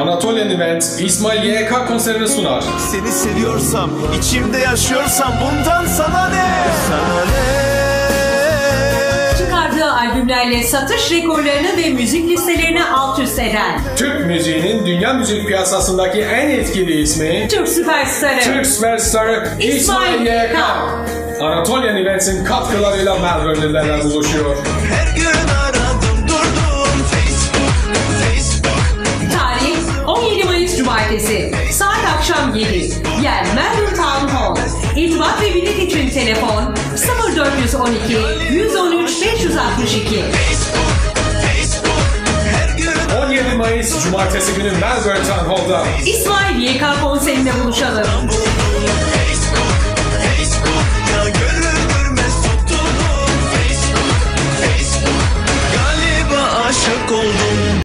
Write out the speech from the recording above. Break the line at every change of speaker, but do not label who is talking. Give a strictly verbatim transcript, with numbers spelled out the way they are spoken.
Anatolian Event İsmail Y K konserini sunar.
Seni seviyorsam, içimde yaşıyorsam bundan sana ne? Sana ne?
Çıkardığı albümlerle satış rekorlarını ve müzik listelerini alt üst eden
Türk müziğinin dünya müzik piyasasındaki en etkili ismi,
Türk süperstarı,
Türk süperstarı İsmail Y K. Anatolian Events'in katkılarıyla Melbourne'lilerle buluşuyor.
Her gün aradım durdum Facebook, Facebook.
Tarih on yedi Mayıs Cumartesi, saat akşam yedi. Yer Melbourne Town Hall. İrtibat ve bilet için telefon sıfır dört yüz on iki yüz on üç beş yüz altmış iki.
on yedi Mayıs Cumartesi günü Melbourne Town Hall'da
İsmail Y K konserinde buluşalım.
Galiba aşık oldum.